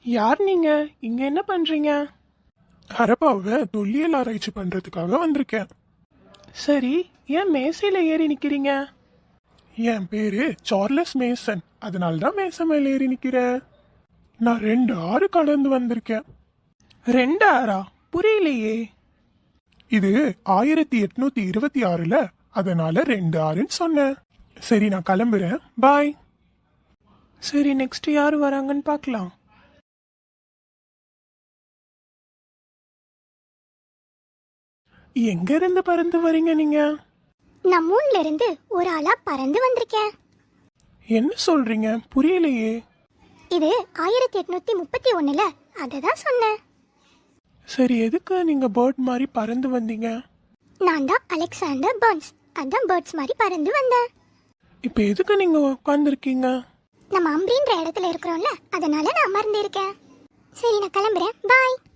யார் நீங்க? இங்க என்ன பண்றீங்க? ஹரப்பாவை தொல்லியல் ஆராய்ச்சி பண்றதுக்காக வந்திருக்கேன். சரி, ஏன் மேசையில ஏறி நிக்கிறீங்க? என் பேரு சார்லஸ் மேசன், அதனால தான் மேசன் மேல ஏறி நிக்கிறேன். நான் 2 ஆறு கடந்து வந்திருக்கேன். 2 ஆறா? புரியலையே. இது 1826ல, அதனால 2 ஆறுன்னு சொன்னேன். சரி, நான் கிளம்புறேன். பாய். சரி, நெக்ஸ்ட் யார் வராங்கன்னு பார்க்கலாம். எங்க இருந்து பறந்து வரீங்க நீங்க? நான் மூணுல இருந்து ஒரு ஆளா பறந்து வந்திருக்கேன். என்ன சொல்றீங்க? புரியலையே. இது 1831ல, அததான் சொன்னேன். சரி, எதுக்கு நீங்க பேர்ட் மாதிரி பறந்து வந்தீங்க? நான் தான் அலெக்சாண்டர் பர்ன்ஸ், அதான் பேர்ட்ஸ் மாதிரி பறந்து வந்தேன். இப்ப எதுக்கு நீங்க உட்காந்துருக்கீங்க? நம்ம அம்பின்ற இடத்துல இருக்கிறோம்ல, அதனால நான் அமர்ந்து இருக்கேன். சரி, நான் கிளம்புறேன். பாய்.